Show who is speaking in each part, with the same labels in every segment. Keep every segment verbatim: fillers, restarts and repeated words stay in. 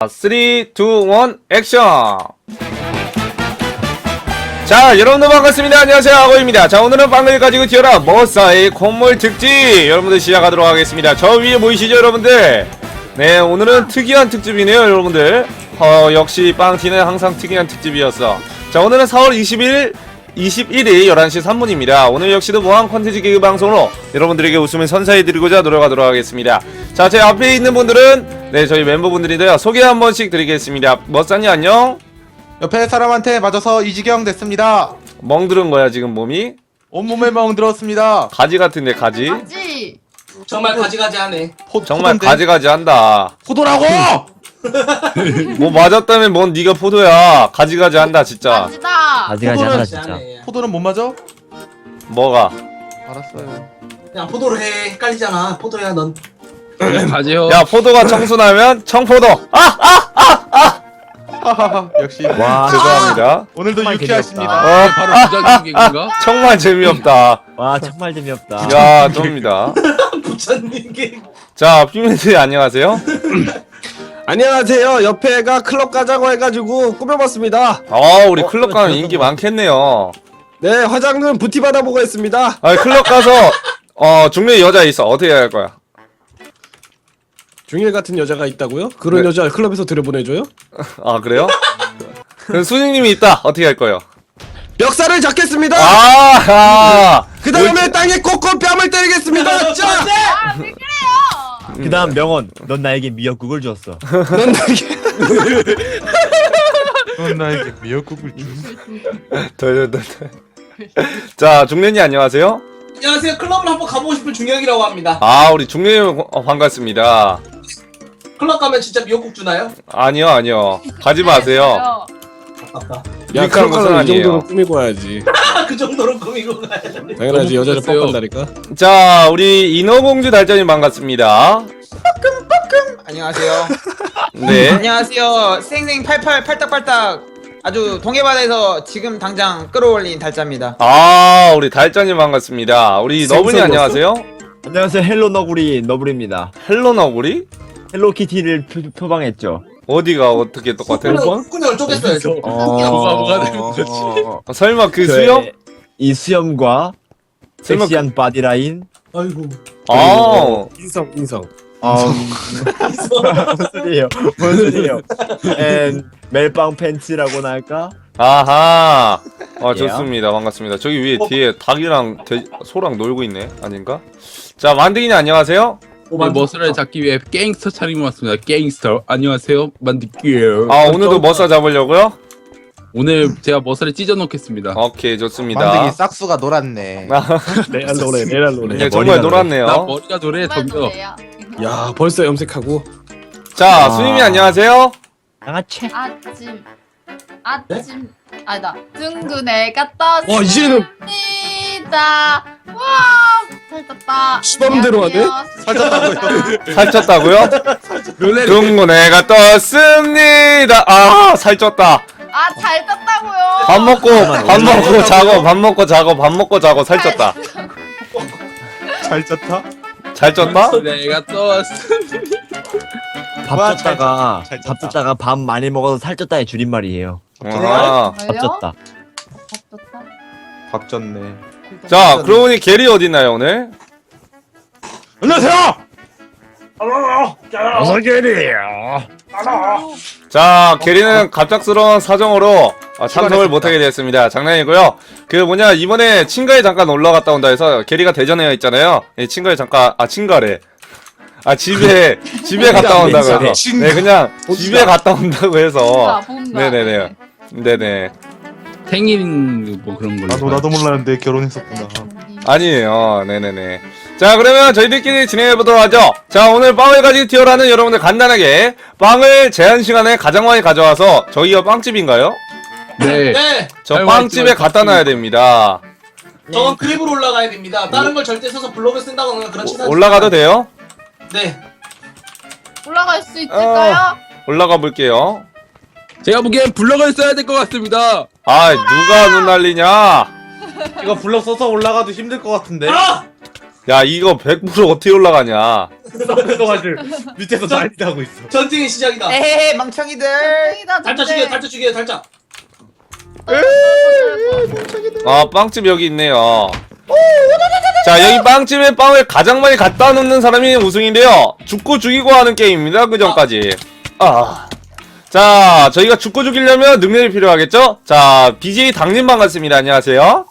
Speaker 1: 삼, 이, 일, 액션! 자, 여러분들 반갑습니다. 안녕하세요, 아고입니다. 자, 오늘은 빵을 가지고 튀어라 머싸의 콧물 특집! 여러분들 시작하도록 하겠습니다. 저 위에 보이시죠, 여러분들? 네, 오늘은 특이한 특집이네요, 여러분들. 어, 역시 빵티는 항상 특이한 특집이었어. 자, 오늘은 사월 이십일, 이십일일 열한 시 삼 분입니다. 오늘 역시도 무한 콘텐츠 개그 방송으로 여러분들에게 웃음을 선사해드리고자 노력하도록 하겠습니다. 자, 제 앞에 있는 분들은 네, 저희 멤버분들인데요. 소개 한 번씩 드리겠습니다. 머싸님 안녕?
Speaker 2: 옆에 사람한테 맞아서 이지경 됐습니다.
Speaker 1: 멍들은 거야 지금 몸이?
Speaker 2: 온몸에 멍 들었습니다.
Speaker 1: 가지 같은데 가지?
Speaker 3: 가지.
Speaker 4: 정말 가지가지하네.
Speaker 2: 포,
Speaker 1: 정말
Speaker 2: 포도인데?
Speaker 1: 가지가지 한다.
Speaker 2: 포도라고!
Speaker 1: 뭐 맞았다면 뭔 니가 포도야. 가지가지 한다 진짜.
Speaker 3: 가지다.
Speaker 5: 가지가지
Speaker 4: 포도를
Speaker 5: 한다 진짜.
Speaker 4: 하네.
Speaker 2: 포도는 못 맞아?
Speaker 1: 뭐가?
Speaker 2: 알았어요.
Speaker 4: 그냥 포도로 해. 헷갈리잖아. 포도야 넌.
Speaker 6: 가지요.
Speaker 1: 야, 포도가 청순하면 청포도. 아! 아! 아! 아!
Speaker 2: 하하하 역시
Speaker 5: 와,
Speaker 1: 죄송합니다.
Speaker 2: 오늘도
Speaker 5: 정말
Speaker 2: 유쾌하십니다.
Speaker 1: 어,
Speaker 6: 바로 부자기 개그인가?
Speaker 1: 정말 재미없다.
Speaker 5: 와 정말 재미없다.
Speaker 1: 야, 좋습니다.
Speaker 4: 부처님 게.
Speaker 1: 자, 피민들 안녕하세요.
Speaker 7: 안녕하세요. 옆에가 클럽 가자고 해가지고 꾸며봤습니다.
Speaker 1: 아, 우리 클럽 가면 인기 많겠네요.
Speaker 7: 네, 화장은 부티 받아보고 했습니다.
Speaker 1: 아, 클럽 가서 어, 중매 여자 있어. 어떻게 해야 할 거야?
Speaker 7: 중일 같은 여자가 있다고요? 그런
Speaker 1: 네.
Speaker 7: 여자 클럽에서 들여보내줘요?
Speaker 1: 아, 그래요? 그럼 수진님이 있다. 어떻게 할 거예요?
Speaker 7: 멱살을 잡겠습니다.
Speaker 1: 아, 아.
Speaker 7: 그 다음에 땅에 꽂고 뺨을 때리겠습니다. 자,
Speaker 3: 아, 왜 그래요?
Speaker 5: 그다음 명언. 넌 나에게 미역국을 줬어.
Speaker 7: 넌 나에게
Speaker 2: 넌 나에게 미역국을 주.
Speaker 1: 덜, 덜, 덜. 자, 중년이 안녕하세요.
Speaker 4: 안녕하세요. 클럽을 한번 가보고 싶은 중혁이라고 합니다.
Speaker 1: 아, 우리 중년이 어, 반갑습니다.
Speaker 4: 클럽 가면 진짜 미역국 주나요?
Speaker 1: 아니요, 아니요. 가지 마세요.
Speaker 4: 아깝다.
Speaker 7: 야,
Speaker 1: 유익한
Speaker 7: 클럽
Speaker 1: 것은
Speaker 7: 가면 이
Speaker 1: 아니에요.
Speaker 7: 정도로 꾸미고 와야지.
Speaker 4: 그 정도로 꾸미고 가야 돼.
Speaker 7: 당연하지, 여자를
Speaker 6: 꾸몄어요.
Speaker 7: 뻑간다니까.
Speaker 1: 자, 우리 인어공주 달전님 반갑습니다.
Speaker 8: 안녕하세요.
Speaker 1: 네.
Speaker 8: 안녕하세요. 생생 팔팔 팔딱팔딱 아주 동해바다에서 지금 당장 끌어올린 달짜입니다.
Speaker 1: 아, 우리 달전님 반갑습니다. 우리 너블이
Speaker 7: 생선
Speaker 1: 안녕하세요.
Speaker 5: 안녕하세요. 헬로 너구리 너구리입니다.
Speaker 1: 헬로 너구리?
Speaker 5: 헬로키티를 표, 표방했죠.
Speaker 1: 어디가 어떻게 똑같아요?
Speaker 4: 콧구녕을 쪼갰어야죠.
Speaker 5: 어,
Speaker 6: 뭐가 되는 거지?
Speaker 5: 어,
Speaker 1: 어, 설마 그
Speaker 5: 저의
Speaker 1: 수염?
Speaker 5: 이 수염과
Speaker 1: 설마
Speaker 5: 섹시한 바디라인.
Speaker 4: 아이고.
Speaker 1: 아,
Speaker 7: 인성, 인성.
Speaker 5: 어, 뭔 소리예요? 뭔 소리예요? 앤 멜빵 팬츠라고나 할까?
Speaker 1: 아하. 아,
Speaker 5: 예.
Speaker 1: 좋습니다. 반갑습니다. 저기 위에 뒤에 닭이랑 돼, 소랑 놀고 있네. 아닌가? 자, 만드기님 안녕하세요.
Speaker 6: 네, 머슬을 잡기 위해 갱스터 차림을 왔습니다. 갱스터. 안녕하세요. 만들게요.
Speaker 1: 아, 오늘도 머싸 잡으려고요?
Speaker 6: 오늘 제가 머슬을 찢어 놓겠습니다.
Speaker 1: 오케이, 좋습니다.
Speaker 2: 만드기 싹수가 놀았네.
Speaker 1: 아,
Speaker 7: 레알 노래, 레알 노래.
Speaker 1: 네, 정말 놀았네요.
Speaker 6: 나 머리가 노래 덤벼.
Speaker 7: 야, 벌써 염색하고.
Speaker 1: 자,
Speaker 5: 아.
Speaker 1: 수님이 안녕하세요.
Speaker 5: 양아치.
Speaker 3: 아침. 아침. 아니다. 둥근애가 떴습니다.
Speaker 7: 와, 이제는
Speaker 3: 와, 잘 떴다.
Speaker 7: 수범대로 하네?
Speaker 3: 살쪘다고요?
Speaker 1: 살쪘다고요?
Speaker 6: 롤레
Speaker 1: 둥근 애가 떴습니다. 아, 살쪘다.
Speaker 3: 아, 잘 떴다고요.
Speaker 1: 밥 먹고, 밥 먹고 자고, 밥 먹고 자고, 밥 먹고 자고 살쪘다.
Speaker 2: 잘 쪘다?
Speaker 1: 잘 쪘다?
Speaker 6: 내가 떴어.
Speaker 5: 밥
Speaker 2: 와,
Speaker 5: 쪘다가
Speaker 2: 잘 쪘다.
Speaker 5: 밥 쪘다가 밥 많이 먹어서 살쪘다의 줄임말이에요.
Speaker 1: 아.
Speaker 5: 밥 쪘다.
Speaker 3: 밥 떴다.
Speaker 2: 밥 쪘네.
Speaker 1: 자, 그러고 보니 게리 어딨나요, 오늘?
Speaker 2: 안녕하세요!
Speaker 5: 어서 게리야.
Speaker 1: 자, 게리는 갑작스러운 사정으로 아, 참석을 못하게 되었습니다. 장난이고요. 그 뭐냐, 이번에 친가에 잠깐 올라갔다 온다 해서 게리가 대전에 있잖아요. 예, 친가에 잠깐, 아, 친가래. 아, 집에, 집에 갔다 온다고 해서.
Speaker 2: 친가.
Speaker 1: 네, 그냥 집에 갔다 온다고 해서.
Speaker 3: 봄다, 봄다.
Speaker 1: 네네네. 네네.
Speaker 6: 생일 뭐 그런 걸로.
Speaker 2: 나도 나도 몰랐는데 결혼했었구나.
Speaker 1: 아니에요. 네네네. 자, 그러면 저희들끼리 진행해보도록 하죠. 자, 오늘 빵을 가지고 튀어라는 여러분들 간단하게 빵을 제한 시간에 가장 많이 가져와서 저희가 빵집인가요?
Speaker 6: 네.
Speaker 4: 네.
Speaker 1: 저
Speaker 6: 아이고,
Speaker 1: 빵집에
Speaker 6: 아이고,
Speaker 1: 갖다 놔야 됩니다.
Speaker 4: 저건 크립으로 올라가야 됩니다. 다른 걸 절대 써서 블로그 쓴다거나 그런 치사.
Speaker 1: 올라가도 돼요?
Speaker 4: 네.
Speaker 3: 올라갈 수 있을까요?
Speaker 1: 올라가 볼게요.
Speaker 6: 제가 보기엔 블럭을 써야 될 것 같습니다.
Speaker 1: 아, 누가 눈 날리냐?
Speaker 2: 이거 블럭 써서 올라가도 힘들 것 같은데?
Speaker 4: 아!
Speaker 1: 야 이거 백 퍼센트 어떻게 올라가냐.
Speaker 2: 그래가지고 밑에서 난리 나고 있어.
Speaker 4: 전쟁의 시작이다.
Speaker 8: 에헤 망청이들.
Speaker 3: 땡이다,
Speaker 4: 달짜 죽여, 달짜 죽여, 달짜.
Speaker 1: 아 빵집 여기 있네요. 자 여기 빵집에 빵을 가장 많이 갖다 놓는 사람이 우승인데요. 죽고 죽이고 하는 게임입니다. 그 전까지. 아. 자 저희가 죽고 죽이려면 능력이 필요하겠죠? 자 비제이 당님 반갑습니다. 안녕하세요.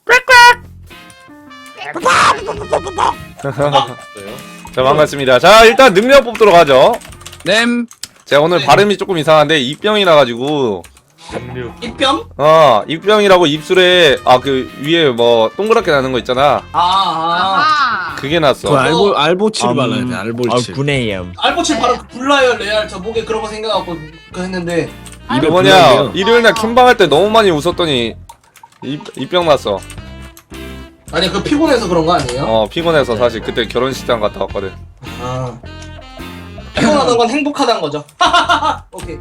Speaker 1: 자 반갑습니다. 자 일단 능력 뽑도록 하죠.
Speaker 6: 냄.
Speaker 1: 제가 오늘
Speaker 4: 네.
Speaker 1: 발음이 조금 이상한데 입병이 나가지고
Speaker 4: 입병?
Speaker 1: 어 입병이라고 입술에 아 그 위에 뭐 동그랗게 나는 거 있잖아.
Speaker 4: 아, 아.
Speaker 3: 아하.
Speaker 1: 그게
Speaker 7: 그
Speaker 1: 났어.
Speaker 7: 알보 알보칠
Speaker 5: 음,
Speaker 7: 발라야 돼.
Speaker 5: 아,
Speaker 7: 알보칠.
Speaker 5: 구네염.
Speaker 4: 알보칠 바로 불나요, 레알. 저 목에 그런 거 생각하고 그 했는데.
Speaker 1: 이게
Speaker 3: 아이고,
Speaker 1: 뭐냐
Speaker 7: 불안해요.
Speaker 1: 일요일날 킴방할 때 너무 많이 웃었더니 입, 입병 났어.
Speaker 4: 아니, 그 피곤해서 그런 거 아니에요?
Speaker 1: 어 피곤해서 사실 그때 결혼식장 갔다 왔거든.
Speaker 4: 아. 피곤하다는 건 행복하다는 거죠. 오케이.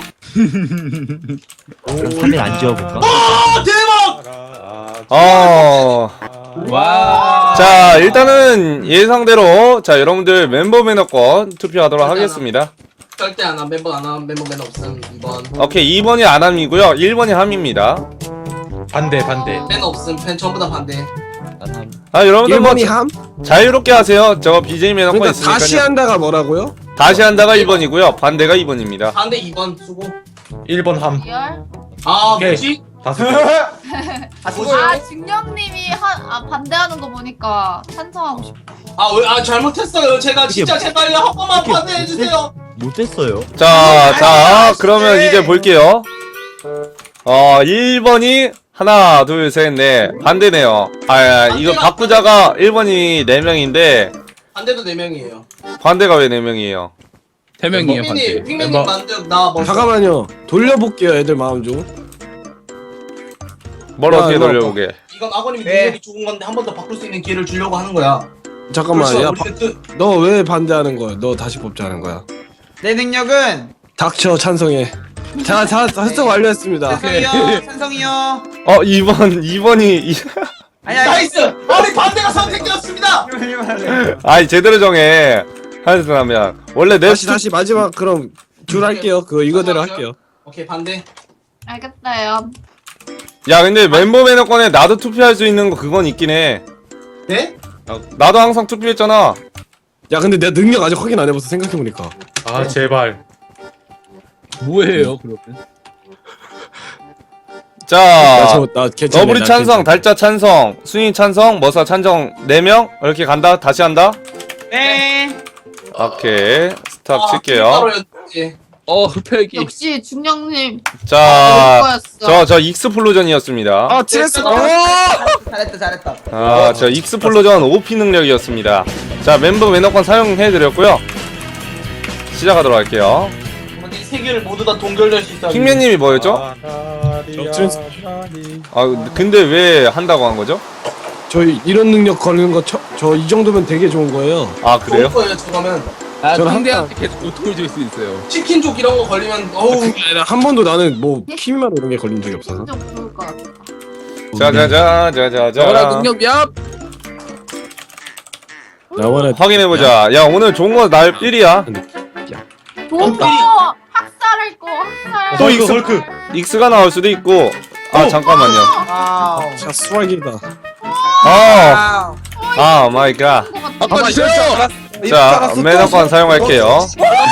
Speaker 5: 그럼 삼 일 안 지워볼까?
Speaker 4: 아, 대박!
Speaker 1: 어.
Speaker 6: 와.
Speaker 1: 자 일단은 예상대로 자 여러분들 멤버 매너권 투표하도록 하겠습니다.
Speaker 4: 절대 안 함. 멤버 안 함. 멤버 맨 없음. 이 번.
Speaker 1: 오케이 이 번이 안함이고요 일 번이 함입니다.
Speaker 2: 반대 반대.
Speaker 4: 맨 없음. 팬 전부 다 반대.
Speaker 1: 아 여러분들 뭐
Speaker 7: 일본이 함?
Speaker 1: 자유롭게 하세요. 저 비제이 매너권
Speaker 7: 그러니까
Speaker 1: 있으니까요.
Speaker 7: 다시 한다가 뭐라고요?
Speaker 1: 다시 한다가 일 번이고요 반대가 이 번입니다.
Speaker 4: 반대 이 번 수고.
Speaker 2: 일 번 함.
Speaker 3: 리얼?
Speaker 4: 아,
Speaker 2: 오케이.
Speaker 4: 뭐지?
Speaker 2: 다섯 개.
Speaker 8: 아 수고요.
Speaker 3: 아 중령님이 한, 아, 반대하는 거 보니까 찬성하고 싶어.
Speaker 4: 아, 왜, 아, 잘못했어요. 제가 진짜 제발요. 한 번만 반대해주세요.
Speaker 5: 못됐어요.
Speaker 1: 자, 자, 그러면 이제 볼게요. 어, 일 번이 하나, 둘, 셋, 넷. 반대네요. 아, 이거 바꾸자가 일 번이 네 명인데,
Speaker 4: 반대도 네 명이에요.
Speaker 1: 반대가 왜 네 명이에요?
Speaker 6: 세 명이에요
Speaker 4: 핑맨님,
Speaker 6: 반대.
Speaker 4: 핑맨님
Speaker 2: 멤버.
Speaker 4: 반대, 나 먼저.
Speaker 7: 잠깐만요. 돌려볼게요, 애들 마음 좀.
Speaker 1: 뭘
Speaker 7: 야,
Speaker 1: 어떻게
Speaker 7: 이거
Speaker 1: 돌려보게?
Speaker 4: 이건 아버님이
Speaker 8: 네.
Speaker 4: 능력이 좋은 건데 한 번 더 바꿀 수 있는 기회를 주려고 하는 거야.
Speaker 7: 잠깐만,
Speaker 4: 그렇죠.
Speaker 7: 야,
Speaker 4: 우리는 그,
Speaker 7: 너 왜 반대하는 거야? 너 다시 뽑자는 거야.
Speaker 8: 내 능력은
Speaker 7: 닥쳐 찬성해. 자, 자, 설정 완료했습니다.
Speaker 8: 찬성이요. 찬성이요.
Speaker 1: 어, 이 번, 이 번이, 이...
Speaker 8: 아니 아니.
Speaker 4: 나이스! 우리 반대가 선택되었습니다!
Speaker 1: 아이, 제대로 정해. 하여튼하면. 원래 내
Speaker 7: 다시
Speaker 1: 수...
Speaker 7: 다시 마지막 그럼 줄 할게요. 그거 이거대로 할게요.
Speaker 4: 오케이, 반대.
Speaker 3: 알겠어요.
Speaker 1: 야, 근데 멤버 매너권에 나도 투표할 수 있는 거 그건 있긴 해.
Speaker 4: 네?
Speaker 1: 나도 항상 투표했잖아.
Speaker 7: 야, 근데 내가 능력 아직 확인 안 해봐서 생각해보니까.
Speaker 2: 아 제발.
Speaker 6: 뭐예요 그러면?
Speaker 1: 자,
Speaker 7: 나 저, 나 괜찮네.
Speaker 1: 너브리
Speaker 7: 나
Speaker 1: 찬성,
Speaker 7: 괜찮네.
Speaker 1: 달짜 찬성, 순이 찬성, 머사 찬성 네 명 이렇게 간다. 다시 한다.
Speaker 8: 네.
Speaker 1: 오케이 스탑
Speaker 4: 아,
Speaker 1: 칠게요.
Speaker 4: 킬가루였지.
Speaker 6: 어 흡혈기.
Speaker 3: 역시 중령님
Speaker 1: 자,
Speaker 3: 거였어.
Speaker 1: 저 저 익스플로전이었습니다.
Speaker 7: 아, 칠했어. 어!
Speaker 8: 잘했다 잘했다.
Speaker 1: 아, 저 익스플로전 오피 능력이었습니다. 자, 멤버 매너권 사용해드렸고요. 시작하도록 할게요.
Speaker 4: 뭐지, 세 개를 모두 다 동결될 수 있다.
Speaker 1: 킹맨님이 뭐였죠? 아, 근데 왜 한다고 한 거죠?
Speaker 7: 저희 이런 능력 걸리는 거 저 이 정도면 되게 좋은 거예요.
Speaker 1: 아,
Speaker 4: 좋을
Speaker 1: 그래요?
Speaker 4: 거예요, 저거면.
Speaker 6: 아
Speaker 7: 저는
Speaker 6: 상대한테 계속 고통을 줄 수 있어요.
Speaker 4: 치킨족 이런 거 걸리면, 어우.
Speaker 7: 그게 아니라 한 번도 나는 뭐 키미마로 이런 게 걸린 적이 없어서.
Speaker 3: 좀 좋을 것 같아.
Speaker 1: 자자자, 자자자.
Speaker 6: 저거라 능력 얍.
Speaker 7: 나와라.
Speaker 1: 확인해보자. 야, 오늘 좋은 거 날 일이야.
Speaker 3: 좋은 거 학살할 거 학살.
Speaker 1: 또 익스,
Speaker 2: 헐크.
Speaker 1: 익스가 나올 수도 있고. 아, 잠깐만요.
Speaker 8: 와우.
Speaker 7: 자, 수학이다.
Speaker 1: 아,
Speaker 8: 와우.
Speaker 1: 아, 마이 갓.
Speaker 6: 아빠 싫어.
Speaker 1: 자, 매너권 사용할게요.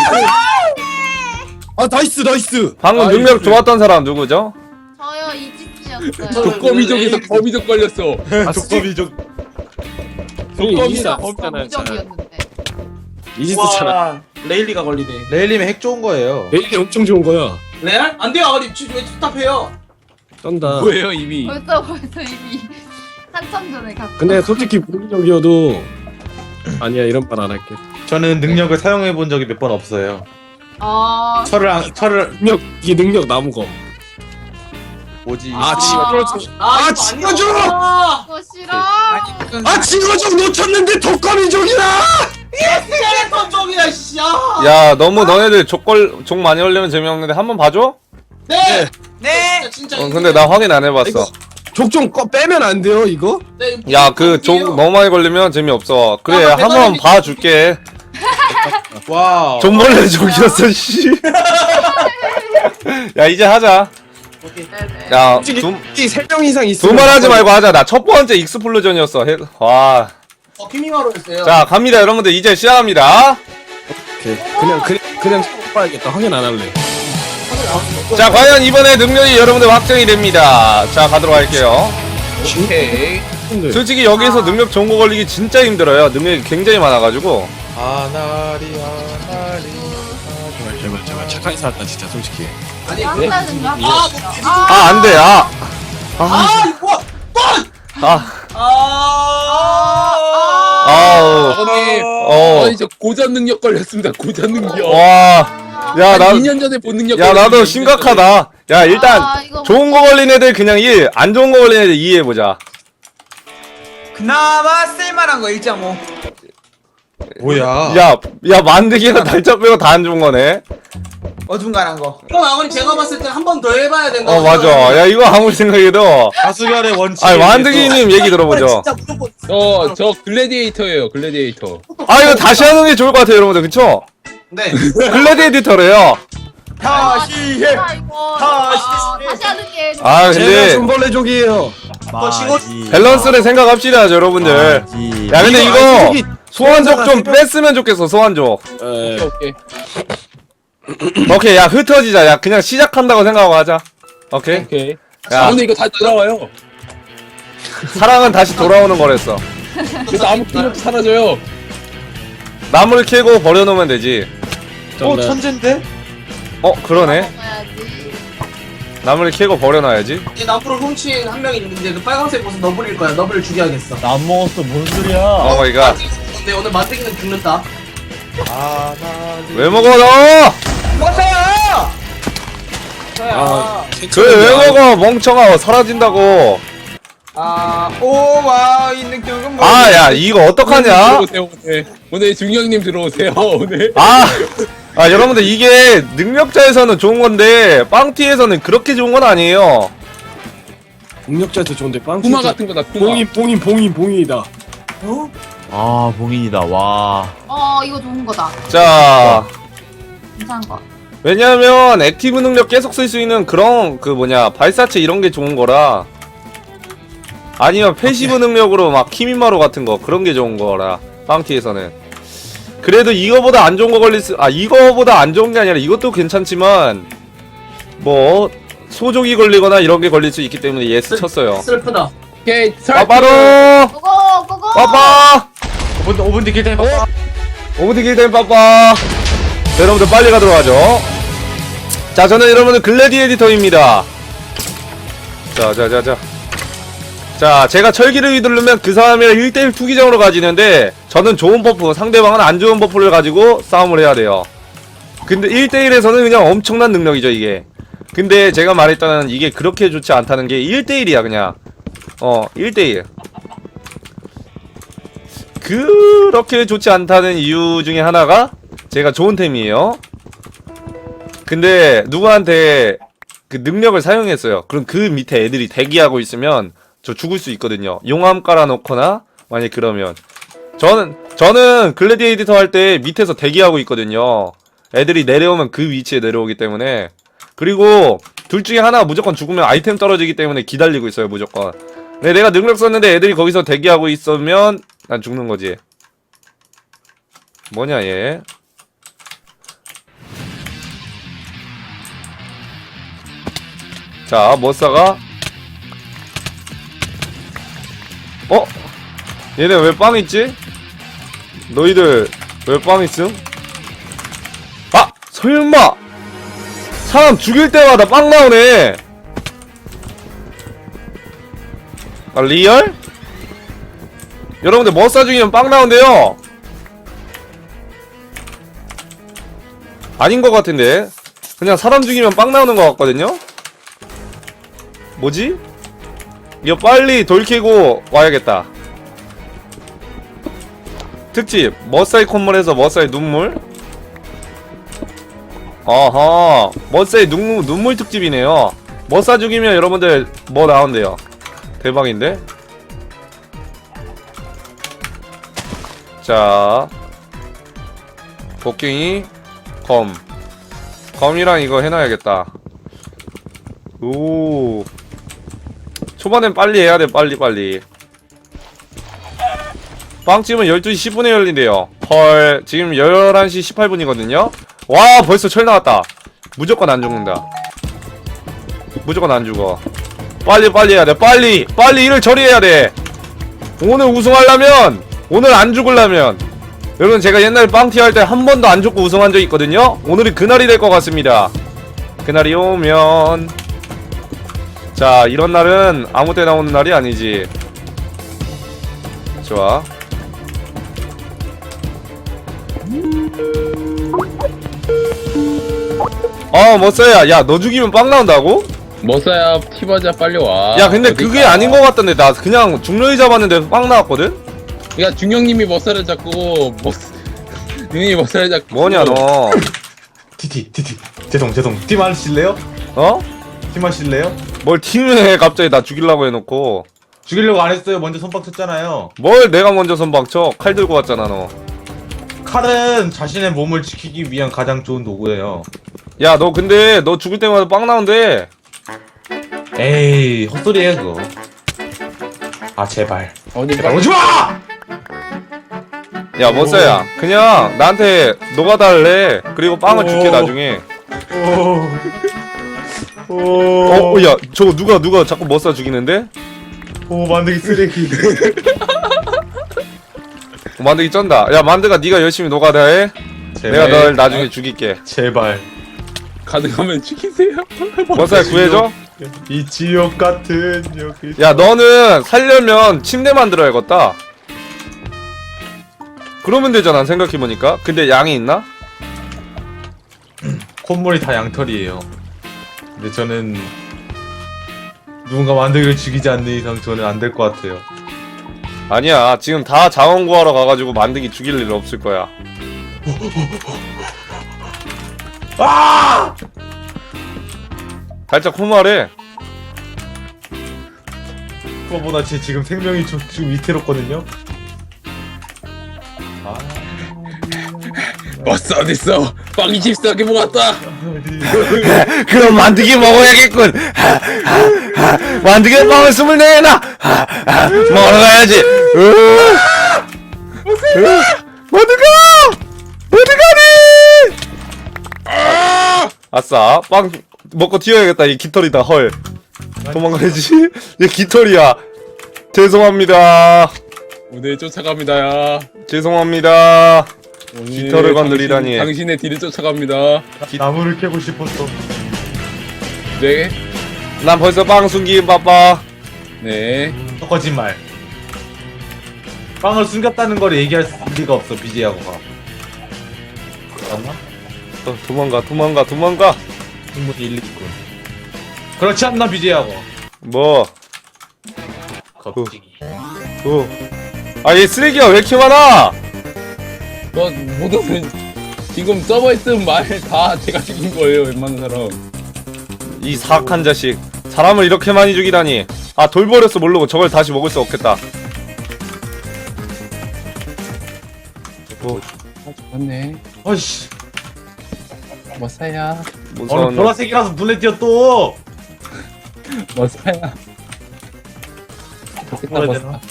Speaker 7: 아, 나이스, 나이스.
Speaker 1: 방금
Speaker 6: 아,
Speaker 1: 능력
Speaker 6: 이거-
Speaker 1: 좋았던 사람 누구죠?
Speaker 3: 저요 이집트였어요.
Speaker 6: 독거미족에서 거미족 걸렸어.
Speaker 7: 아,
Speaker 2: 조커비족.
Speaker 6: 독거미다.
Speaker 7: 없잖아요.
Speaker 3: 무적이었는데.
Speaker 7: 이지스잖아.
Speaker 4: 와, 레일리가 걸리네.
Speaker 2: 레일님의 핵 좋은 거예요.
Speaker 7: 내일이 엄청 좋은 거야.
Speaker 4: 레알? 안 돼요, 아버님. 지금 왜 답답해요?
Speaker 7: 쩐다.
Speaker 6: 뭐예요 이미?
Speaker 3: 벌써 벌써 이미 한참 전에 갔어.
Speaker 7: 근데 솔직히 무기적이어도 아니야 이런 말 안 할게.
Speaker 2: 저는 능력을 사용해 본 적이 몇 번 없어요.
Speaker 3: 아
Speaker 2: 철을 안- 철을
Speaker 7: 능력 이게 능력 남은 거.
Speaker 2: 뭐지?
Speaker 7: 아,
Speaker 3: 아.
Speaker 7: 찍어줘.
Speaker 4: 아,
Speaker 7: 아,
Speaker 4: 이거
Speaker 7: 찍어줘!
Speaker 4: 아니야.
Speaker 3: 그거 싫어.
Speaker 7: 아, 찍어줘 놓쳤는데 독거미족이다.
Speaker 4: 스켈레톤족이야, 씨. 아.
Speaker 1: 야, 너무 너네들 족걸, 족 많이 올리면 재미없는데 한번 봐줘?
Speaker 4: 네.
Speaker 8: 네.
Speaker 4: 진짜, 진짜
Speaker 1: 어, 근데 나 확인 안 해봤어.
Speaker 7: 이거- 족 좀 빼면 안 돼요 이거?
Speaker 4: 네,
Speaker 1: 야 그 족
Speaker 4: 볼게요.
Speaker 1: 너무 많이 걸리면 재미없어. 그래
Speaker 4: 아,
Speaker 1: 한번
Speaker 4: 대단히-
Speaker 1: 봐줄게.
Speaker 2: 와우.
Speaker 1: 존벌레 족이었어 씨. 야 이제 하자.
Speaker 3: 네네.
Speaker 1: 야
Speaker 7: 솔직히
Speaker 1: 두,
Speaker 7: 세 명 이상 있으면
Speaker 1: 두말하지 말고 하자. 나 첫 번째 익스플로전이었어. 해- 와.
Speaker 4: 어, 키미마로 했어요.
Speaker 1: 자 갑니다 여러분들 이제 시작합니다.
Speaker 7: 오케이. 그냥 그냥 그냥 봐야겠다. 확인 안 할래.
Speaker 1: 자 과연 이번에 능력이 여러분들 확정이 됩니다. 자 가도록 할게요.
Speaker 6: 오케이.
Speaker 7: 근데
Speaker 1: 솔직히 여기서 능력 좋은 거 걸리기 진짜 힘들어요. 능력이 굉장히 많아가지고.
Speaker 2: 아나리 아나리.
Speaker 7: 제발 제발 제발 착하게 살았다 진짜 솔직히.
Speaker 4: 아니,
Speaker 3: 한다는 거.
Speaker 4: 아, 뭐, 되지.
Speaker 3: 아,
Speaker 1: 아 안돼 아.
Speaker 4: 아, 이거 뭐?
Speaker 1: 아.
Speaker 3: 아,
Speaker 1: 아우.
Speaker 6: 아버님.
Speaker 1: 어.
Speaker 6: 아니 저 고전 능력 걸렸습니다. 고전 능력.
Speaker 1: 와. 야,
Speaker 6: 한
Speaker 1: 나,
Speaker 6: 이 년 전에 본 능력.
Speaker 1: 야, 나도
Speaker 6: 걸렸는데
Speaker 1: 심각하다. 야, 일단,
Speaker 3: 아, 이거
Speaker 1: 좋은 거 걸린 애들 그냥 일, 안 좋은 거 걸린 애들 이 해보자.
Speaker 8: 그나마 쓸만한 거 일 점 오.
Speaker 2: 뭐야?
Speaker 1: 야, 야, 만드기가 달짜 빼고 다 안 좋은 거네.
Speaker 8: 어중간한 거.
Speaker 4: 이건 아버님 제가 봤을 때 한 번 더 해봐야 된다.
Speaker 1: 어, 맞아. 야, 이거 아무리 생각해도.
Speaker 2: 다수결의 원칙.
Speaker 1: 아, 만드기님 얘기 들어보죠.
Speaker 4: 진짜 무조건.
Speaker 6: 저, 저 글래디에이터예요. 글래디에이터.
Speaker 1: 아, 이거 다시 하는 게 좋을 것 같아요, 여러분들. 그쵸?
Speaker 4: 네.
Speaker 1: 글래디에이터래요.
Speaker 8: 다시 해.
Speaker 3: 아, 이거
Speaker 8: 다시
Speaker 3: 아, 다시 하는 게.
Speaker 1: 아,
Speaker 7: 제가
Speaker 1: 근데,
Speaker 7: 손벌레족이에요.
Speaker 5: 맞지.
Speaker 1: 밸런스를 생각합시다, 여러분들.
Speaker 5: 맞지.
Speaker 1: 야, 근데
Speaker 7: 이거
Speaker 1: 이거,
Speaker 7: 솔직히
Speaker 1: 소환족 좀
Speaker 7: 생각-
Speaker 1: 뺐으면 좋겠어, 소환족.
Speaker 7: 에,
Speaker 6: 오케이, 오케이.
Speaker 1: 오케이, 야, 흩어지자. 야, 그냥 시작한다고 생각하고 하자. 오케이?
Speaker 6: 오케이.
Speaker 1: 야.
Speaker 6: 아, 근데 이거 다 돌아와요.
Speaker 1: 사랑은 다시 돌아오는 거랬어.
Speaker 6: 그래서 아무 기록도 사라져요.
Speaker 1: 나무를 캐고 버려놓으면 되지.
Speaker 2: 어
Speaker 7: 정답.
Speaker 2: 천재인데?
Speaker 1: 어, 그러네.
Speaker 3: 먹어야지.
Speaker 1: 나무를 캐고 버려놔야지.
Speaker 4: 이 나무를 훔친 한 명이 있는데 그 빨간색 옷은 너블일 거야. 너블을 죽여야겠어.
Speaker 5: 안 먹었어. 뭔 소리야?
Speaker 1: 오 마이 갓.
Speaker 4: 근데 오늘 만들기는 죽는다.
Speaker 2: 아나리.
Speaker 1: 왜 먹어, 너?
Speaker 8: 먹었어요.
Speaker 7: 아,
Speaker 1: 그래, 왜 먹어, 멍청아. 사라진다고.
Speaker 8: 아, 오와 이 능력은 뭐?
Speaker 1: 아, 야, 이거 어떡하냐?
Speaker 6: 들어오세요, 오늘. 오늘 중령님 들어오세요, 오늘.
Speaker 1: 아, 아, 여러분들, 이게 능력자에서는 좋은 건데, 빵티에서는 그렇게 좋은 건 아니에요.
Speaker 7: 능력자한테 좋은데 빵.
Speaker 6: 쿠마 같은 거다, 쿠마.
Speaker 7: 봉인 봉인 봉인 봉인이다.
Speaker 5: 아, 봉인이다. 와.
Speaker 3: 어, 이거 좋은 거다.
Speaker 1: 자,
Speaker 3: 괜찮은 거.
Speaker 1: 왜냐면, 액티브 능력 계속 쓸 수 있는 그런, 그 뭐냐, 발사체 이런 게 좋은 거라. 아니면 패시브 능력으로 막 키미마루 같은 거 그런 게 좋은 거라 빵티에서는. 그래도 이거보다 안 좋은 거 걸릴 수, 아 이거보다 안 좋은 게 아니라 이것도 괜찮지만 뭐 소족이 걸리거나 이런 게 걸릴 수 있기 때문에 예스 쳤어요.
Speaker 4: 슬프다.
Speaker 6: 오케이,
Speaker 1: 빠바로
Speaker 3: 고고, 고고.
Speaker 1: 빠빠
Speaker 2: 오 분 오 분 뒤길 때 빠빠.
Speaker 1: 오브디 길된 빠빠. 자, 여러분들 빨리 가도록 하죠. 자, 저는 여러분들 글래디 에디터입니다. 자, 자, 자, 자. 자, 제가 철기를 휘두르면 그 사람이랑 일 대일 투기장으로 가지는데, 저는 좋은 버프, 상대방은 안 좋은 버프를 가지고 싸움을 해야 돼요. 근데 일 대일에서는 그냥 엄청난 능력이죠, 이게. 근데 제가 말했다는 이게 그렇게 좋지 않다는 게 일 대일이야, 그냥. 어, 일 대일. 그렇게 좋지 않다는 이유 중에 하나가 제가 좋은 템이에요. 근데 누구한테 그 능력을 사용했어요. 그럼 그 밑에 애들이 대기하고 있으면 저 죽을 수 있거든요. 용암 깔아놓거나 만약 그러면 저는 저는 글래디에이터 할 때 밑에서 대기하고 있거든요. 애들이 내려오면 그 위치에 내려오기 때문에. 그리고 둘 중에 하나가 무조건 죽으면 아이템 떨어지기 때문에 기다리고 있어요, 무조건. 근데 내가 능력 썼는데 애들이 거기서 대기하고 있으면 난 죽는 거지. 뭐냐 얘. 자, 머싸가 어? 얘네 왜 빵 있지? 너희들 왜 빵 있음? 아! 설마! 사람 죽일 때마다 빵 나오네! 아, 리얼? 여러분들 머싸 죽이면 빵 나온대요! 아닌 것 같은데? 그냥 사람 죽이면 빵 나오는 것 같거든요? 뭐지? 이거 빨리 돌 캐고 와야겠다. 특집 머싸이 콧물에서 머싸이 눈물. 어허, 머싸이 눈물, 눈물 특집이네요. 머싸 죽이면 여러분들 뭐 나온대요? 대박인데? 자 곡괭이 검 검이랑 이거 해놔야겠다. 오 초반엔 빨리 해야돼. 빨리 빨리. 빵집은 열두 시 십 분에 열린대요. 헐 지금 열한 시 십팔 분이거든요 와 벌써 철 나왔다. 무조건 안 죽는다. 무조건 안 죽어. 빨리 빨리 해야돼. 빨리 빨리 일을 처리해야돼. 오늘 우승하려면, 오늘 안 죽으려면. 여러분 제가 옛날에 빵티 할 때 한 번도 안 죽고 우승한 적 있거든요. 오늘이 그날이 될 것 같습니다. 그날이 오면. 자 이런 날은 아무 때나 오는 날이 아니지. 좋아. 어 멋져야. 야 너 죽이면 빵 나온다고?
Speaker 6: 머싸야 티바자 빨리 와.
Speaker 1: 야 근데
Speaker 6: 어디
Speaker 1: 그게
Speaker 6: 가?
Speaker 1: 아닌 것 같던데. 나 그냥 중력이 잡았는데 빵 나왔거든?
Speaker 6: 그러니까 중령님이 머싸를 잡고 머싸 능이 머싸를 잡고.
Speaker 1: 뭐냐 너.
Speaker 2: 티티 티티 죄송 죄송 팀 하실래요?
Speaker 1: 어?
Speaker 2: 팀 하실래요?
Speaker 1: 뭘 팀해 갑자기 나 죽이려고 해놓고.
Speaker 2: 죽이려고 안 했어요. 먼저 선빵 쳤잖아요.
Speaker 1: 뭘 내가 먼저 선방쳐. 칼 들고 왔잖아 너.
Speaker 2: 칼은 자신의 몸을 지키기 위한 가장 좋은 도구예요.
Speaker 1: 야 너 근데 너 죽을 때마다 빵 나온대.
Speaker 2: 에이 헛소리예요 그거. 아 제발
Speaker 6: 어디
Speaker 2: 제발
Speaker 6: 가?
Speaker 2: 오지마!
Speaker 1: 야 멋져야 그냥 나한테 노가다 할래. 그리고 빵을 줄게
Speaker 2: 오.
Speaker 1: 나중에.
Speaker 2: 오. 오.
Speaker 1: 어? 야 저거 누가 누가 자꾸 멋싸 죽이는데?
Speaker 2: 오 만들기 쓰레기.
Speaker 1: 어, 만드기 쩐다. 야 만드가 네가 열심히 노가다 해. 내가 널 나중에 죽일게.
Speaker 2: 제발.
Speaker 6: 가능하면 죽이세요.
Speaker 1: 멋싸야 구해줘.
Speaker 2: 이 지옥 같은 여기.
Speaker 1: 야 너는 살려면 침대 만들어야겠다. 그러면 되잖아 생각해보니까. 근데 양이 있나?
Speaker 2: 콧물이 다 양털이에요. 근데 저는 누군가 만들기를 죽이지 않는 이상 저는 안 될 것 같아요.
Speaker 1: 아니야 지금 다 자원 구하러 가가지고 만드기 죽일 일 없을 거야.
Speaker 2: 아!
Speaker 1: 살짝 후말해.
Speaker 2: 그거보다 제 지금 생명이 좀, 좀 위태롭거든요. 아.
Speaker 6: 머싸 어딨어? 빵이 집사하게 먹었다.
Speaker 1: 그럼 만드기 먹어야겠군. 만드기 빵을 스물네개나 먹으러 가야지. 만드가 만드가니. 아싸 빵 먹고 튀어야겠다. 이 깃털이다. 헐 도망가야지. 얘 깃털이야. 죄송합니다.
Speaker 6: 오늘 쫓아갑니다야.
Speaker 1: 죄송합니다.
Speaker 6: 오늘
Speaker 1: 깃털을 건드리다니.
Speaker 6: 당신, 당신의 뒤를 쫓아갑니다.
Speaker 2: 나무를 캐고 싶었어.
Speaker 6: 네.
Speaker 1: 난 벌써 빵 숨기긴 바빠.
Speaker 6: 네.
Speaker 2: 또 거짓말. 빵을 숨겼다는 걸 얘기할 리가 없어 비제이하고가. 맞나?
Speaker 1: 어, 도망가 도망가 도망가.
Speaker 2: 충분히 일리 있군. 그렇지 않나 비제이하고.
Speaker 1: 뭐?
Speaker 2: 겁쟁이.
Speaker 1: 어. 아 얘 쓰레기가 왜 이렇게 많아?
Speaker 6: 뭐 모든 지금 서버에 쓴 말 다 제가 죽인 거예요. 웬만한 사람.
Speaker 1: 이 사악한 자식. 사람을 이렇게 많이 죽이다니. 아 돌 버렸어 모르고 저걸 다시 먹을 수 없겠다. 뭐
Speaker 6: 아 죽었네.
Speaker 2: 아이씨.
Speaker 6: 머싸야.
Speaker 1: 무서운
Speaker 2: 오늘 보라색이라서 눈에 띄어 또.
Speaker 6: 머싸야. 좋겠다
Speaker 2: 뭐라 해야
Speaker 6: 머싸.
Speaker 2: 되나?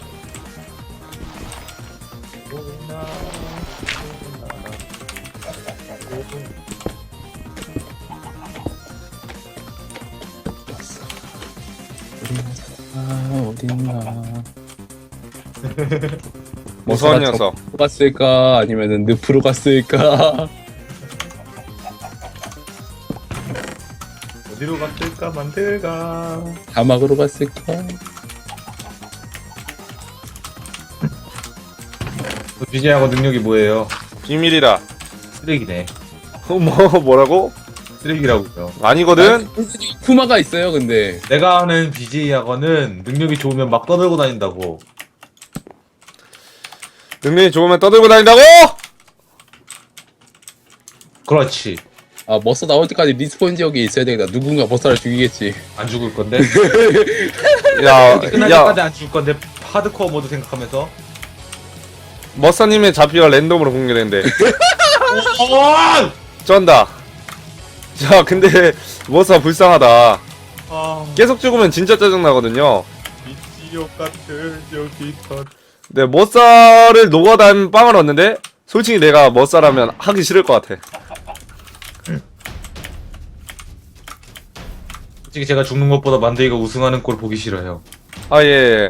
Speaker 6: 아 어딨나.
Speaker 1: 무서운
Speaker 6: 머싸가
Speaker 1: 녀석.
Speaker 6: 저 갔을까 아니면은 늪으로 갔을까.
Speaker 2: 어디로 갔을까 만들까.
Speaker 6: 사막으로 갔을까.
Speaker 2: 비제이하고 능력이 뭐예요?
Speaker 1: 비밀이다.
Speaker 2: 쓰레기네.
Speaker 1: 어, 뭐 뭐라고?
Speaker 2: 쓰레기라고요.
Speaker 1: 아니거든.
Speaker 6: 쿠마가 있어요 근데.
Speaker 2: 내가 아는 비제이하고는 능력이 좋으면 막 떠들고 다닌다고.
Speaker 1: 능력이 좋으면 떠들고 다닌다고?
Speaker 2: 그렇지.
Speaker 6: 아 머싸 나올 때까지 리스폰 지역에 있어야 되겠다. 누군가 머싸를 죽이겠지.
Speaker 2: 안 죽을 건데.
Speaker 1: 야,
Speaker 2: 끝날
Speaker 1: 야,
Speaker 2: 때까지 안 죽을 건데 하드코어 모드 생각하면서.
Speaker 1: 머싸님의 잡히가 랜덤으로 공개된대. 쩐다. 자, 근데 머싸 불쌍하다.
Speaker 2: 아,
Speaker 1: 계속 죽으면 진짜 짜증나거든요.
Speaker 2: 미치욕 같은 여기 터.
Speaker 1: 네, 머싸를 녹아단 빵을 얻는데 솔직히 내가 머싸라면 하기 싫을 것 같아.
Speaker 2: 솔직히 제가 죽는 것보다 만데이가 우승하는 꼴 보기 싫어요.
Speaker 1: 아, 예.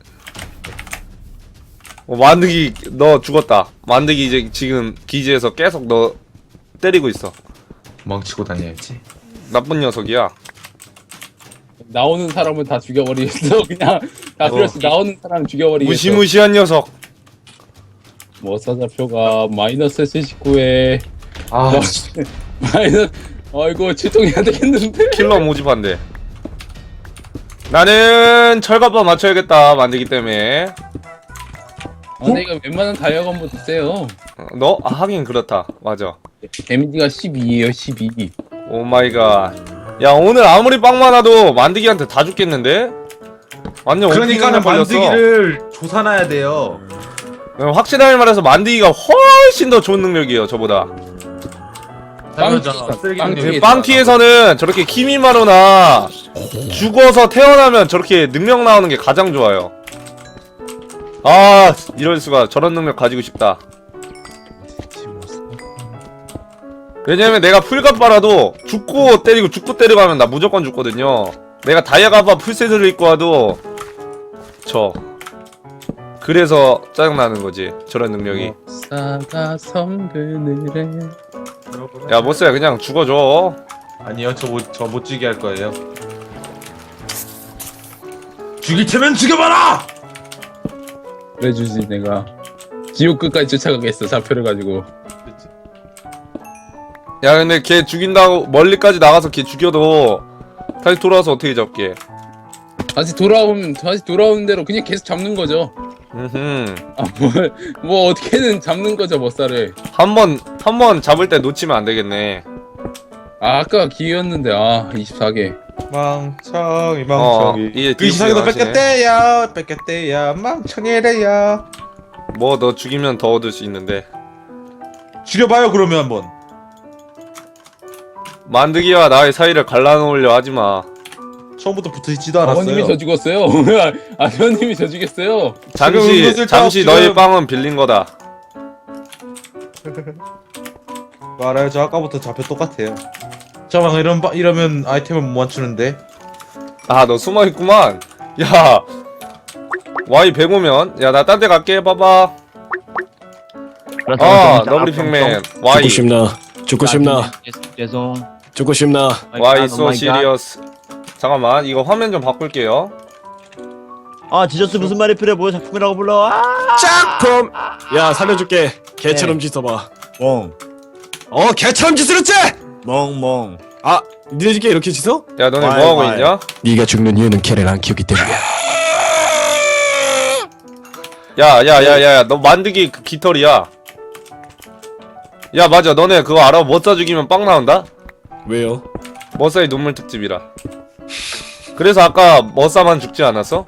Speaker 1: 어, 만드기 너 죽었다. 만드기 이제 지금 기지에서 계속 너 때리고 있어.
Speaker 2: 망치고 다녀야지.
Speaker 1: 나쁜 녀석이야.
Speaker 6: 나오는 사람은 다 죽여버리겠어. 그냥 다 필요 없이 나오는 사람 죽여버리겠어.
Speaker 1: 무시무시한 녀석.
Speaker 6: 머싸 좌표가 마이너스 칠십구에
Speaker 2: 아,
Speaker 6: 마이너스 아이고 출동해야 되겠는데.
Speaker 1: 킬러 모집한대. 나는 철갑바 맞춰야겠다. 만들기 때문에.
Speaker 6: 아, 근데 이거 웬만한 다이아건보다 세요.
Speaker 1: 어, 너? 아, 하긴 그렇다. 맞아.
Speaker 6: 데미지가 십이에요, 십이.
Speaker 1: 오 마이 갓. 야, 오늘 아무리 빵 많아도 만드기한테 다 죽겠는데? 완전
Speaker 2: 그러니까는
Speaker 1: 오피니언 걸렸어.
Speaker 2: 만드기를 조사놔야 돼요.
Speaker 1: 어, 확실하게 말해서 만드기가 훨씬 더 좋은 능력이에요, 저보다.
Speaker 6: 빵-
Speaker 2: 쓰레기
Speaker 6: 빵-
Speaker 2: 능력이
Speaker 6: 빵-
Speaker 1: 빵키에서는 저렇게 키미마루나 죽어서 태어나면 저렇게 능력 나오는 게 가장 좋아요. 아, 이럴 수가. 저런 능력 가지고 싶다. 왜냐면 내가 풀갑바라도 죽고 때리고 죽고 때리고 하면 나 무조건 죽거든요. 내가 다이아갑바 풀세트를 입고 와도 저. 그래서 짜증나는 거지, 저런 능력이.
Speaker 6: 머싸가 성그늘에.
Speaker 1: 야, 모스야, 그냥 죽어줘.
Speaker 2: 아니요, 저 못 저 못 죽게 할 거예요. 죽일 테면 죽여봐라.
Speaker 6: 그래 주지 내가. 지옥 끝까지 쫓아가겠어 좌표를 가지고.
Speaker 1: 야, 근데 걔 죽인다고 멀리까지 나가서 걔 죽여도 다시 돌아와서 어떻게 잡게?
Speaker 6: 다시 돌아오면 다시 돌아오는 대로 그냥 계속 잡는 거죠.
Speaker 1: 음흠.
Speaker 6: 아뭘 뭐 어떻게든 잡는 거죠 머싸를.
Speaker 1: 한번 한 번 잡을 때 놓치면 안 되겠네.
Speaker 6: 아 아까 기회였는데 아 이십사 개.
Speaker 2: 망청이
Speaker 1: 어,
Speaker 2: 망청이.
Speaker 1: 이게
Speaker 2: 그 이상에도
Speaker 1: 뒤에
Speaker 2: 뺏겼대요. 뺏겼대요. 망청이래요.
Speaker 1: 뭐 너 죽이면 더 얻을 수 있는데.
Speaker 2: 죽여봐요 그러면 한번.
Speaker 1: 만드기와 나의 사이를 갈라놓으려 하지 마.
Speaker 2: 처음부터 붙어있지도 않았어요.
Speaker 6: 아버님이 저 죽었어요. 아버님이 저 죽였어요.
Speaker 1: 잠시
Speaker 2: 은근슬쩍
Speaker 1: 잠시
Speaker 2: 지금-
Speaker 1: 너의 빵은 빌린 거다.
Speaker 2: 알아요. 저 아까부터 좌표 똑같아요. 저막 이런 바, 이러면 아이템을 못 맞추는데.
Speaker 1: 아, 너 숨어 있구만. 야, 와이 백 오면 야, 나 딴 데 갈게. 봐봐. 아, 너브리 핑맨. 와이
Speaker 7: 죽고 싶나? 죽고 싶나?
Speaker 5: 죄송.
Speaker 7: 죽고 싶나?
Speaker 1: 와이 소 시리어스. 잠깐만, 이거 화면 좀 바꿀게요.
Speaker 5: 아 디저스 무슨 말이 필요해? 뭐 작품이라고 불러? 아!
Speaker 7: 작품. 야 살려줄게. 개처럼 짖어봐.
Speaker 5: 멍.
Speaker 7: 어 개처럼 짖으랬지
Speaker 5: 멍멍.
Speaker 7: 아 니네 집게 이렇게 짖어?
Speaker 1: 야, 너네
Speaker 5: 와이,
Speaker 1: 뭐 하고
Speaker 5: 와이.
Speaker 1: 있냐?
Speaker 7: 네가 죽는 이유는 걔를 안 키우기 때문이야.
Speaker 1: 야, 야, 야, 야, 너 만드기 그 깃털이야. 야, 맞아. 너네 그거 알아? 머싸 죽이면 빵 나온다?
Speaker 7: 왜요?
Speaker 1: 머싸의 눈물 특집이라. 그래서 아까 머싸만 죽지 않았어?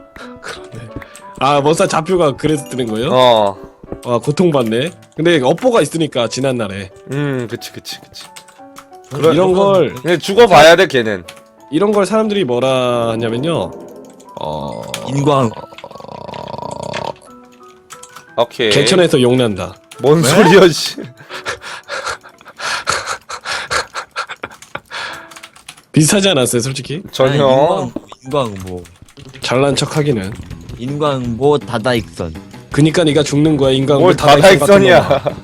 Speaker 7: 아 머싸 좌표가 그래서 뜨는 거예요?
Speaker 1: 어.
Speaker 7: 아 고통받네. 근데 업보가 있으니까 지난날에
Speaker 1: 음, 그치, 그치, 그치.
Speaker 7: 그런 이런 걸
Speaker 1: 근데 죽어봐야 돼, 걔는.
Speaker 7: 이런 걸 사람들이 뭐라 하냐면요. 어
Speaker 5: 인광.
Speaker 1: 오케이.
Speaker 7: 개천에서 용난다.
Speaker 1: 뭔 소리야, 씨.
Speaker 7: 비슷하지 않았어요, 솔직히?
Speaker 1: 전혀.
Speaker 5: 인광, 인광 뭐.
Speaker 7: 잘난 척하기는.
Speaker 5: 인광 뭐 다다익선.
Speaker 7: 그니까 네가 죽는 거야 인간.
Speaker 1: 뭘 다다익선이야.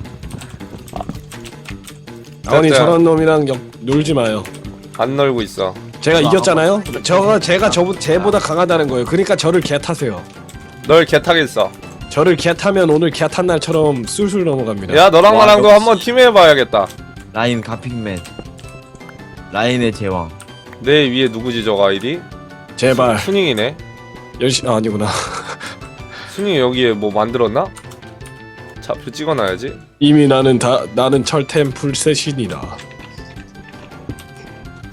Speaker 7: 아버님
Speaker 1: 진짜.
Speaker 7: 저런 놈이랑 역, 놀지 마요.
Speaker 1: 안 놀고 있어.
Speaker 7: 제가 이겼잖아요. 저가 제가 저 쟤보다 강하다는 거예요. 그러니까 저를 개 타세요.
Speaker 1: 널 개타겠어.
Speaker 7: 저를 개 타면 오늘 개 탄 날처럼 술술 넘어갑니다.
Speaker 1: 야, 너랑
Speaker 5: 와,
Speaker 1: 나랑도
Speaker 5: 역시.
Speaker 1: 한번 팀 해봐야겠다.
Speaker 5: 라인 가핑맨. 라인의 제왕.
Speaker 1: 내 위에 누구지, 저거 아이디?
Speaker 7: 제발
Speaker 1: 순잉이네.
Speaker 7: 열심 아, 아니구나.
Speaker 1: 순잉이 여기에 뭐 만들었나? 좌표 찍어놔야지.
Speaker 7: 이미 나는 다 나는 철템 풀셋이니라.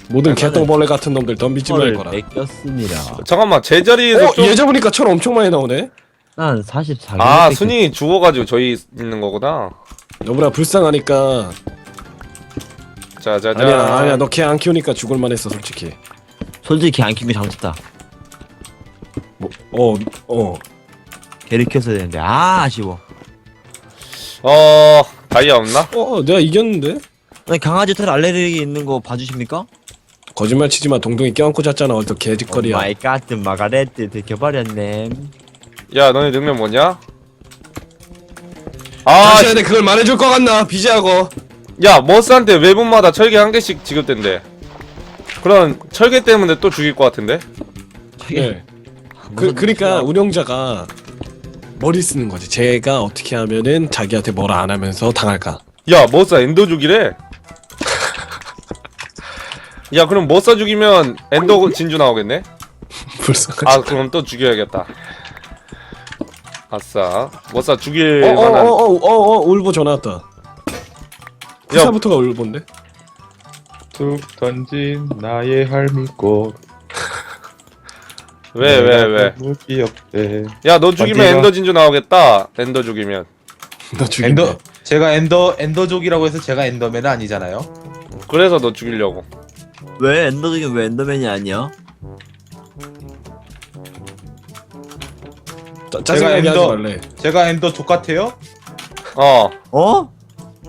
Speaker 7: 모든 개똥벌레 같은 놈들 덤비지
Speaker 5: 헐
Speaker 7: 말거라.
Speaker 5: 뺏겼습니다.
Speaker 1: 잠깐만 제자리에서
Speaker 7: 어,
Speaker 1: 좀...
Speaker 7: 예전 보니까 철 엄청 많이 나오네.
Speaker 5: 난 사십사 개.
Speaker 1: 아 순이 죽어가지고 저희 있는 거구나.
Speaker 7: 너보다 불쌍하니까.
Speaker 1: 자자자.
Speaker 7: 아니야 아니야 너 개 안 키우니까 죽을만 했어 솔직히.
Speaker 5: 솔직히 안 키운 게 잘못했다.
Speaker 7: 뭐, 어, 어.
Speaker 5: 개를 키웠어야 되는데 아 아쉬워.
Speaker 1: 어 다이아 없나?
Speaker 7: 어, 어, 내가 이겼는데?
Speaker 5: 아니, 강아지 털 알레르기 있는 거 봐주십니까?
Speaker 7: 거짓말 치지마. 동동이 껴안고 잤잖아. 어떤 개짓거리야.
Speaker 5: 마이 가트 마가레트 들켜버렸네.
Speaker 1: 야 너네 능력 뭐냐? 아,
Speaker 7: 다시 해야 돼. 그걸 말해줄 것 같나? 비지하고.
Speaker 1: 야 머스한테 외분마다 철개 한 개씩 지급된대. 그럼 철개 때문에 또 죽일 것 같은데?
Speaker 7: 네. 그, 그러니까 운영자가 머리 쓰는 거지. 제가 어떻게 하면은 자기한테 뭐라 안 하면서 당할까?
Speaker 1: 야 머스 엔더 죽이래. 야 그럼 머스 죽이면 엔더 진주 나오겠네?
Speaker 7: 불쌍하지.
Speaker 1: 아 그럼 또 죽여야겠다. 아싸 머스 죽일 만한.
Speaker 7: 어어어어어 울보 전화 왔다. 부사부터가 울보인데?
Speaker 2: 툭 던진 나의 할미꽃.
Speaker 1: 왜 왜 왜?
Speaker 2: 너무 귀엽대.
Speaker 1: 야 너 죽이면
Speaker 2: 어디가?
Speaker 1: 엔더 진주 나오겠다. 엔더 죽이면.
Speaker 7: 너 죽인다.
Speaker 2: 엔더 제가 엔더 엔더족이라고 해서 제가 엔더맨은 아니잖아요.
Speaker 1: 그래서 너 죽이려고.
Speaker 5: 왜 엔더적인 왜 엔더맨이 아니야?
Speaker 7: 짜- 짜증나게 하지
Speaker 2: 엔더-
Speaker 7: 말래.
Speaker 2: 제가 엔더족 같아요?
Speaker 1: 어.
Speaker 5: 어?